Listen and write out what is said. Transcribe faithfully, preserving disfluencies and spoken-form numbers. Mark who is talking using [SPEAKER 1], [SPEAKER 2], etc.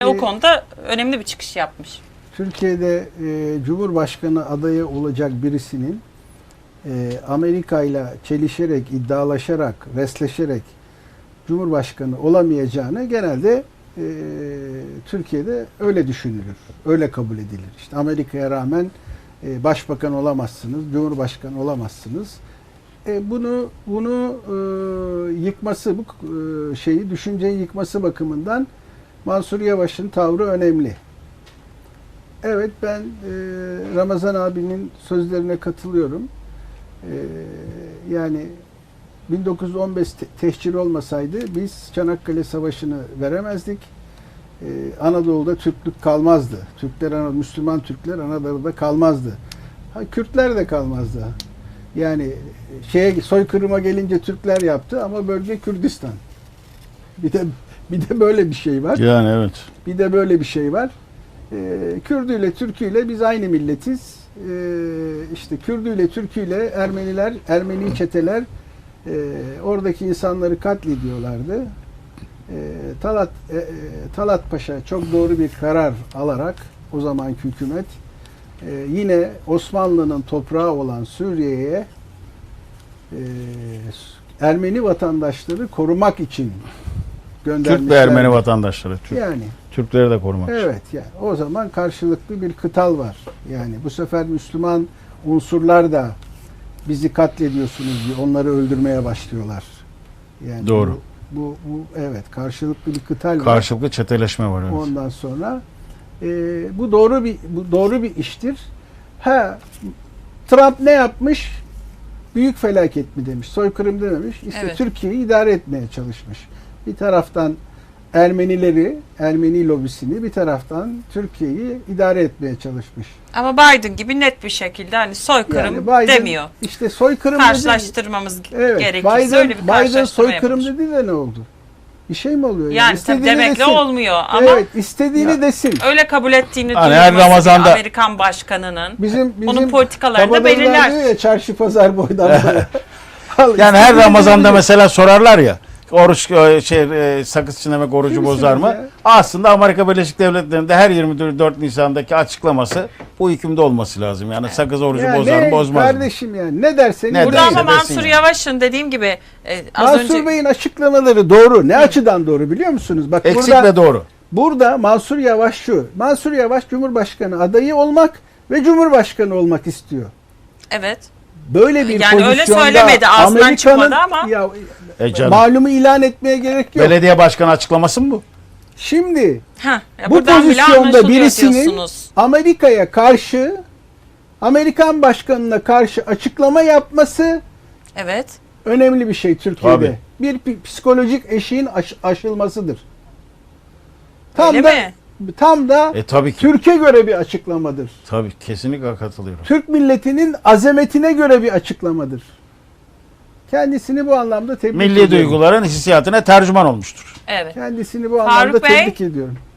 [SPEAKER 1] O konuda önemli bir çıkış yapmış.
[SPEAKER 2] Türkiye'de e, Cumhurbaşkanı adayı olacak birisinin e, Amerika ile çelişerek, iddialaşarak, resleşerek Cumhurbaşkanı olamayacağını genelde e, Türkiye'de öyle düşünülür. Öyle kabul edilir. İşte Amerika'ya rağmen e, başbakan olamazsınız, Cumhurbaşkanı olamazsınız. E, bunu bunu e, yıkması, bu e, şeyi, düşünceyi yıkması bakımından Mansur Yavaş'ın tavrı önemli. Evet, ben e, Ramazan abinin sözlerine katılıyorum. E, yani bin dokuz yüz on beş te tehcir olmasaydı biz Çanakkale Savaşı'nı veremezdik. E, Anadolu'da Türklük kalmazdı. Türkler, Müslüman Türkler Anadolu'da kalmazdı. Ha, Kürtler de kalmazdı. Yani şeye, soykırıma gelince Türkler yaptı ama bölge Kürdistan. Bir de bir de böyle bir şey var.
[SPEAKER 3] Yani evet.
[SPEAKER 2] Bir de böyle bir şey var. Ee, Kürdüyle, Türküyle biz aynı milletiz. Ee, işte Kürdüyle, Türküyle Ermeniler, Ermeni çeteler e, oradaki insanları katlediyorlardı. Ee, Talat e, Talat Paşa çok doğru bir karar alarak o zamanki hükümet e, yine Osmanlı'nın toprağı olan Suriye'ye e, Ermeni vatandaşları korumak için göndermişler.
[SPEAKER 3] Türk ve Ermeni vatandaşları. Türk.
[SPEAKER 2] Yani
[SPEAKER 3] Türkleri de korumak için.
[SPEAKER 2] evet, yani o zaman karşılıklı bir kıtal var. Yani bu sefer Müslüman unsurlar da bizi katlediyorsunuz diye onları öldürmeye başlıyorlar. Yani
[SPEAKER 3] Doğru.
[SPEAKER 2] Bu, bu, bu evet, karşılıklı bir kıtal var.
[SPEAKER 3] Karşılıklı çeteleşme var. Evet.
[SPEAKER 2] Ondan sonra e, bu doğru bir bu doğru bir iştir. Ha, Trump ne yapmış? Büyük felaket mi demiş? Soykırım dememiş. İşte
[SPEAKER 1] Evet.
[SPEAKER 2] Türkiye'yi idare etmeye çalışmış. Bir taraftan Ermenileri, Ermeni lobisini, bir taraftan Türkiye'yi idare etmeye çalışmış.
[SPEAKER 1] Ama Biden gibi net bir şekilde hani soykırım
[SPEAKER 2] Yani Biden,
[SPEAKER 1] demiyor.
[SPEAKER 2] İşte soykırım
[SPEAKER 1] Karşılaştırmamız
[SPEAKER 2] dedi. Evet,
[SPEAKER 1] gerekirse
[SPEAKER 2] Biden,
[SPEAKER 1] öyle bir
[SPEAKER 2] Biden
[SPEAKER 1] karşılaştırma
[SPEAKER 2] soykırım
[SPEAKER 1] yapmış.
[SPEAKER 2] dedi de ne oldu? Bir şey mi oluyor?
[SPEAKER 1] Yani tabii
[SPEAKER 2] İstediğini
[SPEAKER 1] demekle
[SPEAKER 2] desin.
[SPEAKER 1] olmuyor ama
[SPEAKER 2] Evet, istediğini
[SPEAKER 3] Ya.
[SPEAKER 2] desin.
[SPEAKER 1] öyle kabul ettiğini
[SPEAKER 3] Hani her
[SPEAKER 1] duyurması
[SPEAKER 3] Ramazan'da-
[SPEAKER 1] bir Amerikan başkanının
[SPEAKER 2] Bizim, bizim
[SPEAKER 1] onun politikalarını da
[SPEAKER 2] kabadayılar
[SPEAKER 1] belirler.
[SPEAKER 2] diyor ya, çarşı pazar boydan boya. Al,
[SPEAKER 3] Yani her
[SPEAKER 2] istediğini
[SPEAKER 3] Ramazan'da
[SPEAKER 2] dedi.
[SPEAKER 3] mesela sorarlar ya, oruç e, şey e, sakız çiğnemek orucu
[SPEAKER 2] Kimsiniz
[SPEAKER 3] bozar mı?
[SPEAKER 2] ya?
[SPEAKER 3] Aslında Amerika Birleşik Devletleri'nde her yirmi dört Nisan'daki açıklaması bu hükümde olması lazım. Yani sakız orucu
[SPEAKER 2] Ya
[SPEAKER 3] bozar
[SPEAKER 2] ne
[SPEAKER 3] mı, bozmaz mı?
[SPEAKER 2] kardeşim yani, ne dersen
[SPEAKER 3] Ne
[SPEAKER 1] Burada
[SPEAKER 3] derse
[SPEAKER 1] ama
[SPEAKER 3] desin
[SPEAKER 1] Mansur
[SPEAKER 3] yani.
[SPEAKER 1] Yavaş'ın dediğim gibi e, az
[SPEAKER 2] Mansur
[SPEAKER 1] önce
[SPEAKER 2] Bey'in açıklamaları doğru. Ne açıdan doğru biliyor musunuz? Bak
[SPEAKER 3] Eksik
[SPEAKER 2] burada,
[SPEAKER 3] ve doğru.
[SPEAKER 2] burada Mansur Yavaş şu. Mansur Yavaş Cumhurbaşkanı adayı olmak ve Cumhurbaşkanı olmak istiyor.
[SPEAKER 1] evet.
[SPEAKER 2] Böyle bir
[SPEAKER 1] Yani öyle
[SPEAKER 2] pozisyonda
[SPEAKER 1] söylemedi, ağzından
[SPEAKER 2] Amerika'nın-
[SPEAKER 1] çıkmadı ama.
[SPEAKER 2] Ya,
[SPEAKER 3] E canım.
[SPEAKER 2] malumu ilan etmeye gerek yok.
[SPEAKER 3] Belediye başkanı açıklaması mı bu?
[SPEAKER 2] Şimdi
[SPEAKER 1] Heh, ya
[SPEAKER 2] bu
[SPEAKER 1] buradan bile
[SPEAKER 2] pozisyonda
[SPEAKER 1] anlaşılıyor
[SPEAKER 2] birisinin
[SPEAKER 1] diyorsunuz.
[SPEAKER 2] Amerika'ya karşı, Amerikan başkanına karşı açıklama yapması
[SPEAKER 1] Evet.
[SPEAKER 2] önemli bir şey Türkiye'de.
[SPEAKER 3] Tabii.
[SPEAKER 2] Bir pi- psikolojik eşiğin aş- aşılmasıdır. Tam
[SPEAKER 1] Öyle
[SPEAKER 2] da
[SPEAKER 1] mi?
[SPEAKER 2] tam da
[SPEAKER 3] E tabii ki.
[SPEAKER 2] Türkiye göre bir açıklamadır.
[SPEAKER 3] Tabii kesinlikle katılıyorum.
[SPEAKER 2] Türk milletinin azametine göre bir açıklamadır. Kendisini bu anlamda tebrik
[SPEAKER 3] Milli
[SPEAKER 2] ediyorum.
[SPEAKER 3] duyguların hissiyatına tercüman olmuştur.
[SPEAKER 1] Evet.
[SPEAKER 2] Kendisini bu
[SPEAKER 1] Faruk
[SPEAKER 2] anlamda
[SPEAKER 1] Bey?
[SPEAKER 2] tebrik ediyorum.